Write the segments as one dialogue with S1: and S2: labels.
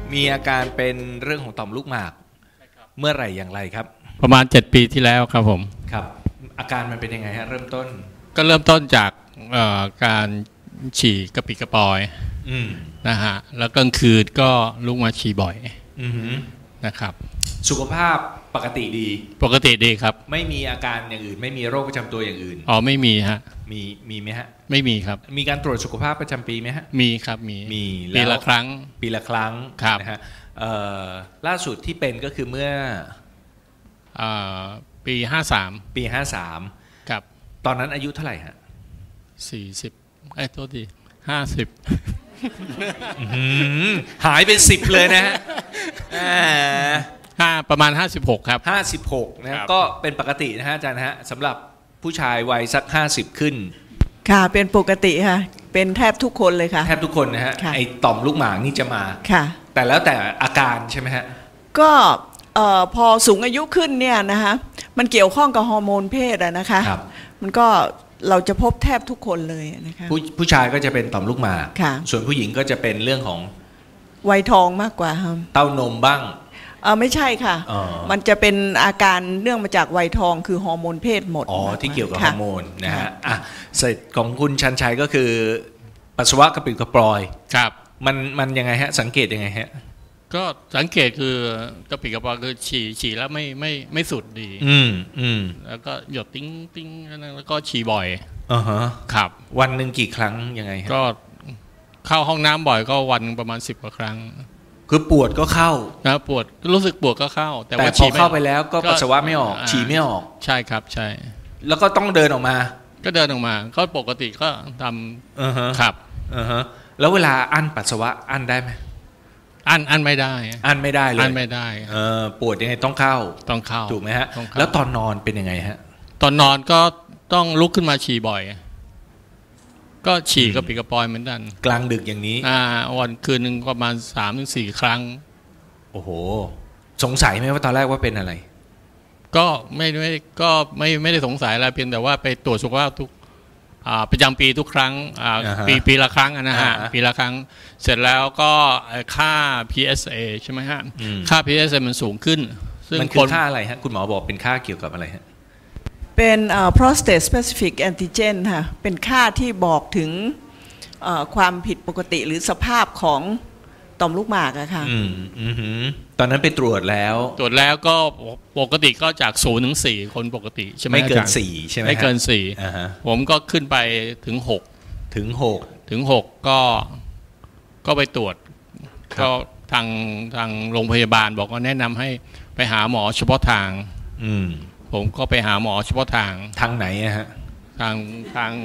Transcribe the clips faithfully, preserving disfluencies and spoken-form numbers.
S1: มีอาการเป็นเรื่องของต่อมลูกหมากเมื่อไหร่อย่างไรครับ
S2: ประมาณเจ็ดปีที่แล้วครับผม
S1: ครับอาการมันเป็นยังไงฮะเริ่มต้น
S2: ก็เริ่มต้นจากการฉี่กระปิกระปอยนะฮะแล้วกลางคืนก็ลุกมาฉี่บ่อยนะครับ
S1: สุขภาพปกติดี
S2: ปกติดีครับ
S1: ไม่มีอาการอย่างอื่นไม่มีโรคประจำตัวอย่างอื่น
S2: อ๋อไม่มีฮะ
S1: มีมีไหมฮะ
S2: ไม่มีครับ
S1: มีการตรวจสุขภาพประจำปีไหมฮะ
S2: มีครับมี
S1: มี
S2: ปีละครั้ง
S1: ปีละครั้งนะฮะล่าสุดที่เป็นก็คือเมื่อ
S2: ปีห้าสาม
S1: ปีห้าสาม
S2: ครับ
S1: ตอนนั้นอายุเท่าไหร่ฮะ
S2: สี่สิบไอ้โทษทีห้าสิบ
S1: หายเป็นสิบเลยนะฮะ
S2: ห้าประมาณห้าสิบหกครับ
S1: ห้าสิบหกนะก็เป็นปกตินะฮะอาจารย์ฮะสำหรับผู้ชายวัยสักห้าสิบขึ้น
S3: ค่ะเป็นปกติค่ะเป็นแทบทุกคนเลยค่ะ
S1: แทบทุกคนนะฮะไอ้ต่อมลูกหมากนี่จะมา
S3: ค่ะ
S1: แต่แล้วแต่อาการใช่ไหมฮะ
S3: ก็พอสูงอายุขึ้นเนี่ยนะคะมันเกี่ยวข้องกับฮอร์โมนเพศอะนะคะมันก็เราจะพบแทบทุกคนเลยนะคะ
S1: ผู้ผู้ชายก็จะเป็นต่อมลูกหมากส่วนผู้หญิงก็จะเป็นเรื่องของ
S3: วัยทองมากกว่าครับ
S1: เต้านมบ้าง
S3: เออไม่ใช่ค่ะมันจะเป็นอาการเนื่องมาจากวัยทองคือฮอร์โมนเพศหมด
S1: อ๋อที่เกี่ยวกับฮอร์โมนนะฮะอ่ะเสร็จของคุณชันชัยก็คือปัสสาวะกระปิดกระปลอย
S2: ครับ
S1: มันมันยังไงฮะสังเกตยังไงฮะ
S2: ก็สังเกตคือกระปิดกระปลอยคือฉี่ฉี่แล้วไม่ไม่ไม่สุดดี
S1: อืมอืม
S2: แล้วก็หยดติ้งติ้งแล้วก็ฉี่บ่อย
S1: อ่าฮะ
S2: ครับ
S1: วันหนึ่งกี่ครั้งยังไงฮะ
S2: ก็เข้าห้องน้ำบ่อยก็วันประมาณสิบกว่าครั้ง
S1: คือปวดก็เข้า
S2: นะปวดรู้สึกปวดก็เข้า
S1: แต่ว่าพอเข้าไปแล้วก็ปัสสาวะไม่ออกฉี่ไม่ออก
S2: ใช่ครับใช่
S1: แล้วก็ต้องเดินออกมา
S2: ก็เดินออกมาก็ปกติก็ท
S1: ำอือฮะ
S2: ครับ
S1: อือฮะแล้วเวลาอั้นปัสสาวะอั้นได้ไหม
S2: อั้นอั้นไม่ได้
S1: อั้นไม่ได้เลย
S2: อั้นไม่ได้
S1: เออปวดยังไงต้องเข้า
S2: ต้องเข้า
S1: ถูกไหมฮะแล้วตอนนอนเป็นยังไงฮะ
S2: ตอนนอนก็ต้องลุกขึ้นมาฉี่บ่อยก็ฉี่กระปิดกระปอยเหมือนกัน
S1: กลางดึกอย่างนี้
S2: อ่าวันคืนหนึ่งประมาณสามถึงสี่ครั้ง
S1: โอ้โหสงสัยไหมว่าตอนแรกว่าเป็นอะไร
S2: ก็ไม่ไม่ก็ไม่ไม่ได้สงสัยอะไรเพียงแต่ว่าไปตรวจสุขภาพทุกประจำปีทุกครั้งปีปีละครั้งนะฮะปีละครั้งเสร็จแล้วก็ค่า พี เอส เอ ใช่ไหมฮะค่า พี เอส เอ มันสูงขึ้น
S1: มันคือค่าอะไรฮะคุณหมอบอกเป็นค่าเกี่ยวกับอะไรฮะ
S3: เป็น prostate specific antigen ค่ะเป็นค่าที่บอกถึงความผิดปกติหรือสภาพของต่อมลูกหมากอะค่ะ
S1: อืมอืมตอนนั้นไปตรวจแล้ว
S2: ตรวจแล้วก็ปกติก็จากศูนย์ถึงสี่คนปกติใช่ไหม
S1: ไม่เกินสี่ใช่ไหม
S2: ไม่เกินสี่ผมก็ขึ้นไปถึงหก
S1: ถึงหก
S2: ถึงหกก็ก็ไปตรวจก็ทางทางโรงพยาบาลบอกว่าแนะนำให้ไปหาหมอเฉพาะทาง
S1: อืม
S2: ผมก็ไปหาหมอเฉพาะทาง
S1: ทางไหนอะฮะ
S2: ทางทาง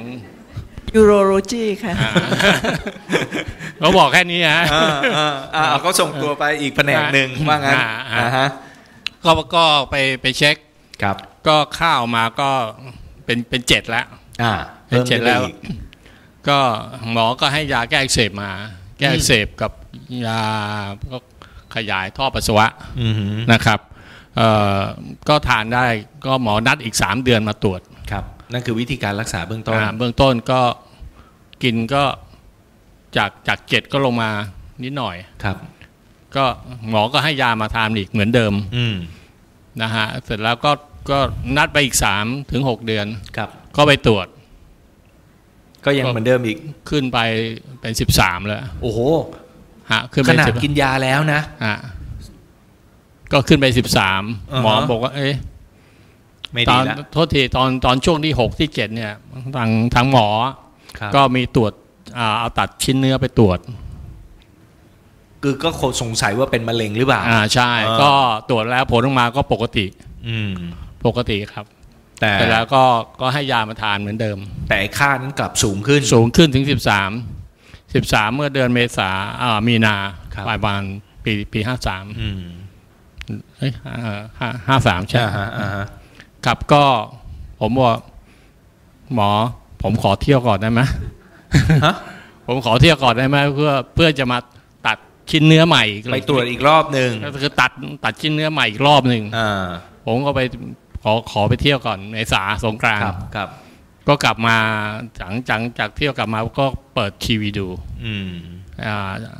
S3: urology ค่ะ
S2: เขาบอกแค่นี้ฮะ
S1: เขาส่งตัวไปอีกแผนกหนึ่งว่างั้น
S2: ก็ก็ไปไปเช็ค
S1: ครับ
S2: ก็ข้าวมาก็เป็นเป็นเจ็ดแล้วเป็นเจ็ดแล้วก็หมอก็ให้ยาแก้อักเสบมาแก้อักเสบกับยาก็ขยายท่อปัสสาวะนะครับก็ทานได้ก็หมอนัดอีกสามเดือนมาตรวจ
S1: ครับนั่นคือวิธีการรักษาเบื้องต้น
S2: เบื้องต้นก็กินก็จากจากเจ็ดก็ลงมานิดหน่อย
S1: ครับ
S2: ก็หมอก็ให้ยามาทานอีกเหมือนเดิมนะฮะเสร็จแล้วก็ก็นัดไปอีกสามถึงหกเดือน
S1: ครับ
S2: ก็ไปตรวจ
S1: ก็ยังเหมือนเดิมอีก
S2: ขึ้นไปเป็นสิบสามแล้ว
S1: โอ้โห
S2: ฮะขึ้น
S1: ไปขนาดกินยาแล้วนะ
S2: ฮะก็ขึ้นไปสิบสามหมอบอกว่าเอ๊ะตอนโทษทีตอนตอนช่วงที่หกที่เจ็ดเนี่ยทางทางหมอก็มีตรวจเอาตัดชิ้นเนื้อไปตรวจ
S1: คือก็สงสัยว่าเป็นมะเร็งหรือเปล่า
S2: อ่าใช่ก็ตรวจแล้วผลออกมาก็ปกติ
S1: อืม
S2: ปกติครับแต่แล้วก็ก็ให้ยามาทานเหมือนเดิม
S1: แต่ค่านั้นกลับสูงขึ้น
S2: สูงขึ้นถึงสิบสามสิบสามเมื่อเดือนเมษาอ่ามีนาปลายวันปีปีห้าสาม
S1: อืม
S2: เฮ้ยห้าห้าสามใช่
S1: ฮะอ่าฮะ
S2: ครับก็ผมบอกหมอผมขอเที่ยวก่อนได้ไหมผมขอเที่ยวก่อนได้ไหมเพื่อเพื่อจะมาตัดชิ้นเนื้อใหม่
S1: ไปตรวจอีกรอบหนึ่ง
S2: ก็คือตัดตัดชิ้นเนื้อใหม่อีกรอบหนึ่งผมก็ไปขอขอไปเที่ยวก่อนในสาสงกรานต์
S1: ครับ
S2: ก็กลับมาหลังจากจากเที่ยวกลับมาก็เปิดทีวีดู
S1: อืม
S2: อ่า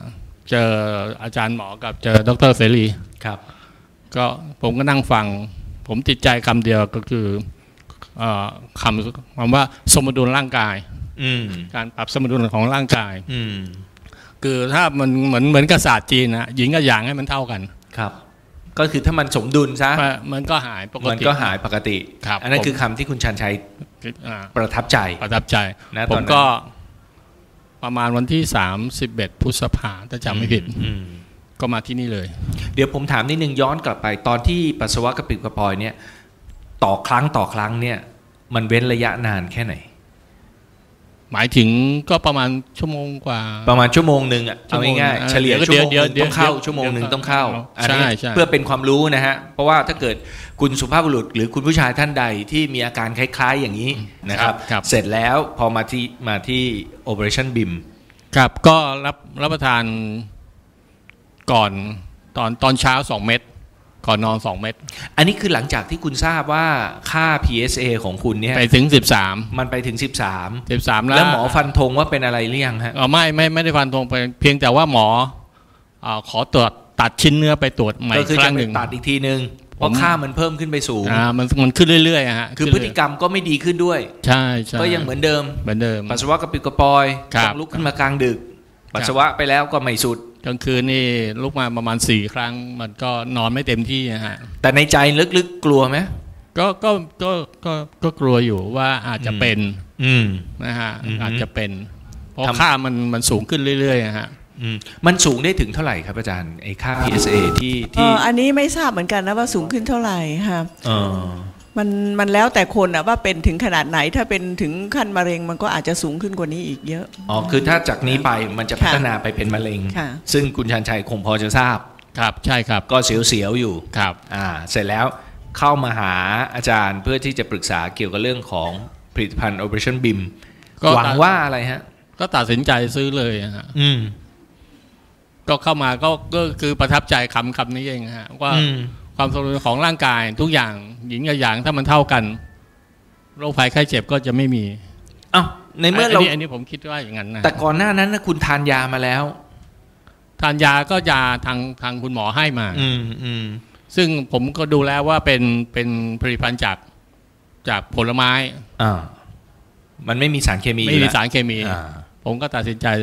S2: เจออาจารย์หมอกับเจอดร.เสรี
S1: ครับ
S2: ก็ผมก็นั่งฟังผมติดใจคำเดียวก็คือคำคำว่าสมดุลร่างกายการปรับสมดุลของร่างกายคือถ้ามันเหมือนเหมือนกับศาสตร์จีนนะหญิงกับหยางให้มันเท่ากัน
S1: ครับก็คือถ้ามันสมดุลซะ
S2: มันก็หายปกติ
S1: มันก็หายปกติอันนั้นคือคำที่คุณชันชัยประทับใจ
S2: ประทับใจผมก็ประมาณวันที่สามสิบเอ็ดพฤษภาคมถ้าจำไม่ผิดก็มาที่นี่เลย
S1: เดี๋ยวผมถามนิดนึงย้อนกลับไปตอนที่ปัสสาวะกระปิดกระปอยเนี่ยต่อครั้งต่อครั้งเนี่ยมันเว้นระยะนานแค่ไหน
S2: หมายถึงก็ประมาณชั่วโมงกว่า
S1: ประมาณชั่วโมงหนึ่งอ่ะเอาง่ายๆเฉลี่ยชั่วโมงนึงต้องเข้าชั่วโมงหนึ่งต้องเข้าอันนี้เพื่อเป็นความรู้นะฮะเพราะว่าถ้าเกิดคุณสุภาพบุรุษหรือคุณผู้ชายท่านใดที่มีอาการคล้ายๆอย่างนี้นะครับเสร็จแล้วพอมาที่มาที่ Operation บี ไอ เอ็ม
S2: ครับก็รับรับประทานก่อนตอนตอนเช้าสองเม็ดก่อนนอนสองเม็ด
S1: อันนี้คือหลังจากที่คุณทราบว่าค่า พี เอส เอ ของคุณเนี่ย
S2: ไปถึงสิบสาม
S1: มันไปถึงสิบสาม
S2: สิบสามแล้ว
S1: แล้วหมอฟันธงว่าเป็นอะไรหรือยังฮะ
S2: อ๋อไม่ไม่ไม่ได้ฟันธงไปเพียงแต่ว่าหมอขอตรวจตัดชิ้นเนื้อไปตรวจใหม่ครั้งหนึ่ง
S1: ตัดอีกทีนึงเพราะค่ามันเพิ่มขึ้นไปสูง
S2: อ่ามันมันขึ้นเรื่อยๆฮะ
S1: คือพฤติกรรมก็ไม่ดีขึ้นด้วย
S2: ใช่ใช่
S1: ก็ยังเหมือนเดิม
S2: เหมือนเดิม
S1: ปัสสาวะกระปิดกระปอยต้องลุกขึ้นมากลางดึกปัสสาวะไปแล้วก็ไม่สุด
S2: กลางคืนนี่ลุกมาประมาณสี่ครั้งมันก็นอนไม่เต็มที่ฮะ
S1: แต่ในใจลึกๆกลัวไหม
S2: ก็ก็ก็ก็ก็กลัวอยู่ว่าอาจจะเป็นนะฮะอาจจะเป็นเพราะค่ามันมันสูงขึ้นเรื่อยๆฮะ
S1: มันสูงได้ถึงเท่าไหร่ครับอาจารย์ไอ้ค่า พี เอส เอ ที่ที่
S3: อันนี้ไม่ทราบเหมือนกันนะว่าสูงขึ้นเท่าไหร่ค่ะมันมันแล้วแต่คนอะว่าเป็นถึงขนาดไหนถ้าเป็นถึงขั้นมะเร็งมันก็อาจจะสูงขึ้นกว่านี้อีกเยอะ
S1: อ๋อคือถ้าจากนี้ไปมันจะพัฒนาไปเป็นมะเร็งซึ่งคุณชันชัยคงพอจะทราบ
S2: ครับใช่ครับ
S1: ก็เสียวๆอยู่
S2: ครับ
S1: อ่าเสร็จแล้วเข้ามาหาอาจารย์เพื่อที่จะปรึกษาเกี่ยวกับเรื่องของผลิตภัณฑ์ Operation บี ไอ เอ็ม หวังว่าอะไรฮะ
S2: ก็ตัดสินใจซื้อเลยฮะอืมก็เข้ามาก็ก็คือประทับใจคำคำนี้เองฮะว่าความสมดุลของร่างกายทุกอย่างหญิงกับหยางถ้ามันเท่ากันโรคภัยไข้เจ็บก็จะไม่มี
S1: อ้าวในเมื่อเรา
S2: อันนี้ผมคิดว่าอย่างนั้นนะ
S1: แต่ก่อนหน้านั้นนะคุณทานยามาแล้ว
S2: ทานยาก็ยาทางทางคุณหมอให้มา
S1: อืมอืม
S2: ซึ่งผมก็ดูแล้วว่าเป็นเป็นผลิตภัณฑ์จากจากผลไม้
S1: อ่ามันไม่มีสารเคมี
S2: ไม่มีสารเคมีผมก็ตัดสินใจ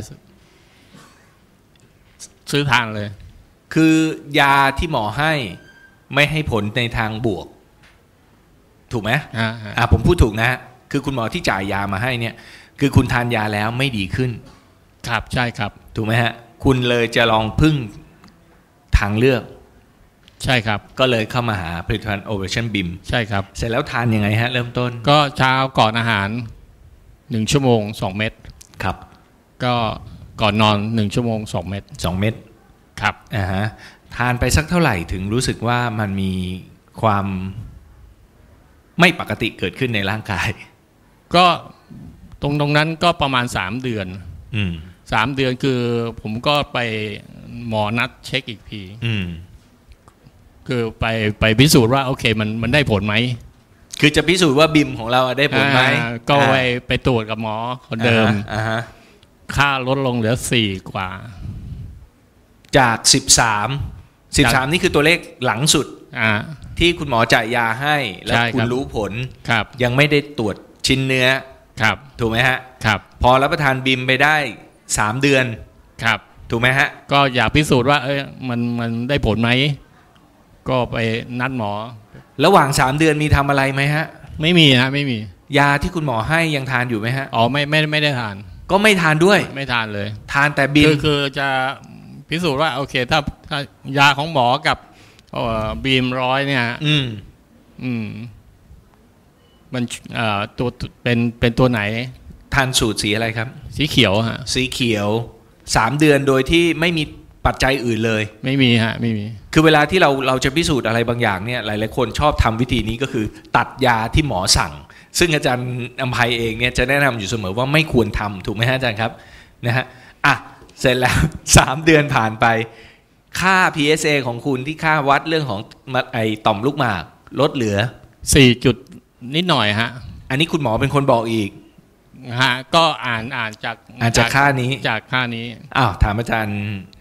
S2: ซื้อทานเลย
S1: คือยาที่หมอให้ไม่ให้ผลในทางบวกถูกไหมอ่าผมพูดถูกนะคือคุณหมอที่จ่ายยามาให้เนี่ยคือคุณทานยาแล้วไม่ดีขึ้น
S2: ครับใช่ครับ
S1: ถูกไหมฮะคุณเลยจะลองพึ่งทางเลือก
S2: ใช่ครับ
S1: ก็เลยเข้ามาหาผลิตภัณฑ์ Operation บี ไอ เอ็ม
S2: ใช่ครับ
S1: เสร็จแล้วทานยังไงฮะเริ่มต้น
S2: ก็เช้าก่อนอาหารหนึ่งชั่วโมงสองเม็ด
S1: ครับ
S2: ก็ก่อนนอนหนึ่งชั่วโมงสองเม็ด
S1: สองเม็ด
S2: ครับ
S1: อ่าฮะทานไปสักเท่าไหร่ถึงรู้สึกว่ามันมีความไม่ปกติเกิดขึ้นในร่างกาย
S2: ก็ตรงตรงนั้นก็ประมาณสามเดือน
S1: อืม
S2: สามเดือนคือผมก็ไปหมอนัดเช็คอีกที
S1: อืม
S2: คือไปไปพิสูจน์ว่าโอเคมันมันได้ผลไหม
S1: คือจะพิสูจน์ว่าบิมของเราได้ผลไหม
S2: ก็ไปไปตรวจกับหมอคนเดิม
S1: อ่าฮะ
S2: ค่าลดลงเหลือสี่กว่า
S1: จากสิบสาม สิบสามนี่คือตัวเลขหลังสุดที่คุณหมอจ่ายยาให้แล้วคุณรู้ผลยังไม่ได้ตรวจชิ้นเนื้อถูกไหมฮะพอรับประทานบิมไปได้สามเดือนถูกไหมฮะ
S2: ก็อยากพิสูจน์ว่าเอ้ยมันมันได้ผลไหมก็ไปนัดหมอ
S1: ระหว่างสามเดือนมีทำอะไรไหมฮะ
S2: ไม่มีฮะไม่มี
S1: ยาที่คุณหมอให้ยังทานอยู่ไหมฮะ
S2: อ๋อไม่ไม่ไม่ได้ทาน
S1: ก็ไม่ทานด้วย
S2: ไม่ทานเลย
S1: ทานแต่บิม
S2: คือจะพิสูจน์ว่าโอเคถ้าถ้ายาของหมอกับบีมร้อยเนี่ย
S1: อืม
S2: อืมมันเอ่อตัวเป็นเป็นตัวไหน
S1: ทานสูตรสีอะไรครับ
S2: สีเขียวฮะ
S1: สีเขียวสามเดือนโดยที่ไม่มีปัจจัยอื่นเลย
S2: ไม่มีฮะไม่มี
S1: คือเวลาที่เราเราจะพิสูจน์อะไรบางอย่างเนี่ยหลายๆคนชอบทำวิธีนี้ก็คือตัดยาที่หมอสั่งซึ่งอาจารย์อำไพเองเนี่ยจะแนะนำอยู่เสมอว่าไม่ควรทำถูกไหมฮะอาจารย์ครับนะฮะอ่ะเสร็จแล้วสามเดือนผ่านไปค่า พี เอส เอ ของคุณที่ค่าวัดเรื่องของไอต่อมลูกหมากลดเหลือ
S2: สี่จุดนิดหน่อยฮะ
S1: อันนี้คุณหมอเป็นคนบอกอีก
S2: ฮะก็อ่านอ่านจาก
S1: อ่านจากค่านี้
S2: จากค่านี้
S1: อ้าวถามอาจารย์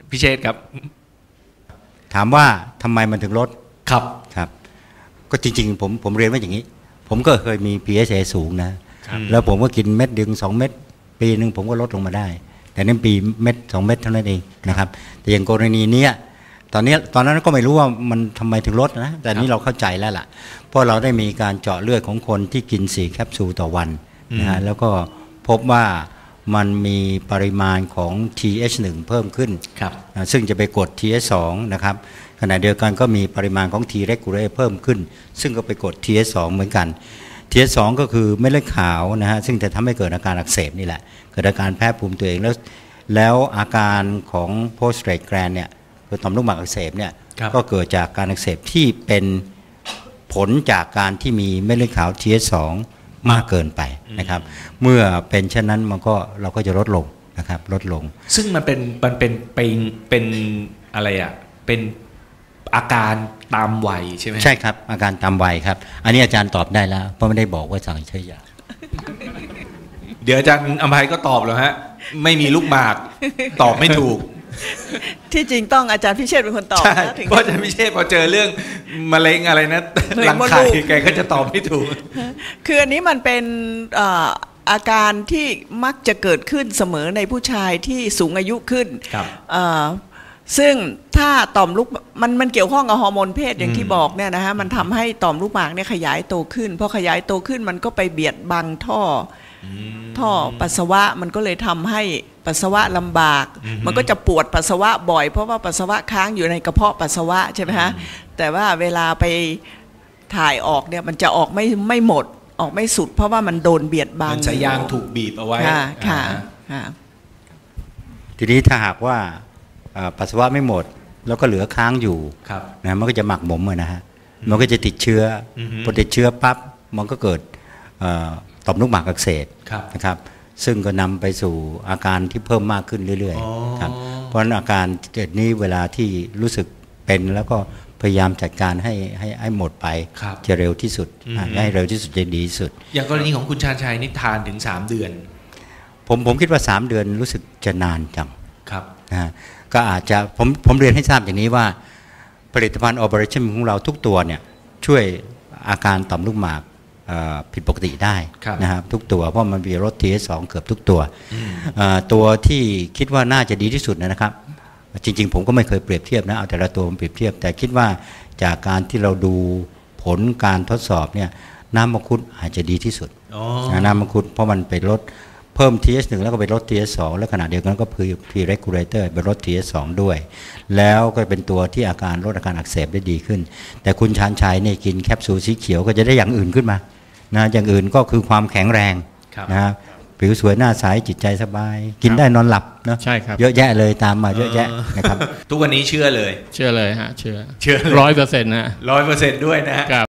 S1: พิเชษครับ
S4: ถามว่าทำไมมันถึงลด
S1: ครับ
S4: ครับก็จริงๆผมผมเรียนว่าอย่างนี้ผมก็เคยมี พี เอช เอ สูงนะแล้วผมก็กินเม็ดดึงสองเม็ดปีหนึ่งผมก็ลดลงมาได้แต่นั่นปีเม็ดสองเม็ดเท่านั้นเองนะครับแต่อย่างกรณีนี้ตอนนี้ตอนนั้นก็ไม่รู้ว่ามันทำไมถึงลดนะแต่นี้เราเข้าใจแล้วล่ะเพราะเราได้มีการเจาะเลือดของคนที่กินสี่แคปซูลต่อวันนะฮะแล้วก็พบว่ามันมีปริมาณของ ที เอช หนึ่ง เพิ่มขึ้นซึ่งจะไปกด ที เอช สอง นะครับขณะเดียวกันก็มีปริมาณของ T regulator เพิ่มขึ้นซึ่งก็ไปกด ที เอช สอง เหมือนกัน ที เอช สอง ก็คือเม็ดเลือดขาวนะฮะซึ่งจะทำให้เกิดอาการอักเสบนี่แหละเกิดอาการแพ้ภูมิตัวเองแล้วแล้วอาการของ post-strate gland เนี่ยคือต่อมลูกหมากอักเสบเนี่ยก็เกิดจากการอักเสบที่เป็นผลจากการที่มีเม็ดเลือดขาว ที เอช สอง มากเกินไปนะครับเมื่อเป็นเช่นนั้นมันก็เราก็จะลดลงนะครับลดลง
S1: ซึ่งมันเป็นมันเป็นเป็นเป็นอะไรอ่ะเป็นอาการตามวัยใช่ไหม
S4: ใช่ครับอาการตามวัยครับอันนี้อาจารย์ตอบได้แล้วเพราะไม่ได้บอกว่าสั่งใช้ยา
S1: เดี๋ยวอาจารย์อภัยก็ตอบแล้วฮะไม่มีลูกหมากตอบไม่ถูก
S3: ที่จริงต้องอาจารย์พิเชษเป็นคนตอบ
S1: นะเพราะอาจารย์พิเชษพอเจอเรื่องมะเร็งอะไรนะหลังไข่แกก็จะตอบไม่ถูก
S3: คืออันนี้มันเป็นอาการที่มักจะเกิดขึ้นเสมอในผู้ชายที่สูงอายุขึ้นซึ่งถ้าต่อมลูกมันมันเกี่ยวข้องกับฮอร์โมนเพศอย่างที่บอกเนี่ยนะฮะมันทำให้ต่อมลูกหมากเนี่ยขยายโตขึ้นพอขยายโตขึ้นมันก็ไปเบียดบังท่อท่อปัสสาวะมันก็เลยทำให้ปัสสาวะลำบากมันก็จะปวดปัสสาวะบ่อยเพราะว่าปัสสาวะค้างอยู่ในกระเพาะปัสสาวะใช่ไหมฮะแต่ว่าเวลาไปถ่ายออกเนี่ยมันจะออกไม่ไม่หมดออกไม่สุดเพราะว่ามันโดนเบียดบัง
S1: สายยางถูกบีบเอาไว้
S3: ค่ะค่ะ
S4: ทีนี้ถ้าหากว่าปัสสาวะไม่หมดแล้วก็เหลือค้างอยู่นะมันก็จะหมักหมมนะฮะมันก็จะติดเชื้อพอติดเชื้อปั๊บมันก็เกิดต่อมลูกหมากอักเสบนะครับซึ่งก็นำไปสู่อาการที่เพิ่มมากขึ้นเรื่อยๆครับเพราะฉะนั้นอาการเกิดนี้เวลาที่รู้สึกเป็นแล้วก็พยายามจัดการให้ให้ให้หมดไปจะเร็วที่สุดให้เร็วที่สุดจะดีที่สุด
S1: อย่างกรณีของคุณชาญชัยนี่ทานถึงสามเดือน
S4: ผมผมคิดว่าสามเดือนรู้สึกจะนานจัง
S1: ครับ
S4: นะก็อาจจะผมผมเรียนให้ทราบอย่างนี้ว่าผลิตภัณฑ์ Operation ของเราทุกตัวเนี่ยช่วยอาการต่อมลูกหมากผิดปกติได้นะครับทุกตัวเพราะมันมีลด ที เอช สอง เกือบทุกตัวตัวที่คิดว่าน่าจะดีที่สุดนะครับจริงๆผมก็ไม่เคยเปรียบเทียบนะเอาแต่ละตัวมาเปรียบเทียบแต่คิดว่าจากการที่เราดูผลการทดสอบเนี่ยน้ำมังคุดอาจจะดีที่สุดน้ำมังคุดเพราะมันไปลดเพิ่ม ที เอช หนึ่ง แล้วก็ไปลด ที เอช สอง แล้วขณะเดียวกันก็คือ T regulator ไปลด ที เอช สอง ด้วยแล้วก็เป็นตัวที่อาการลดอาการอักเสบได้ดีขึ้นแต่คุณชาญชัยเนี่ยกินแคปซูลสีเขียวก็จะได้อย่างอื่นขึ้นมานะอย่างอื่นก็คือความแข็งแรงนะผิวสวยหน้าใสจิตใจสบายกินได้นอนหลับเนาะ
S2: ใช่ครับ
S4: เยอะแยะเลยตามมาเยอะแยะนะครับ
S1: ทุกวันนี้เชื่อเลย
S2: เชื่อเลยฮะเชื่อ
S1: เชื่อ
S2: ร้อยเปอร์เซ็นต์นะ
S1: ร้อยเปอร์เซ็นต์ด้วยนะ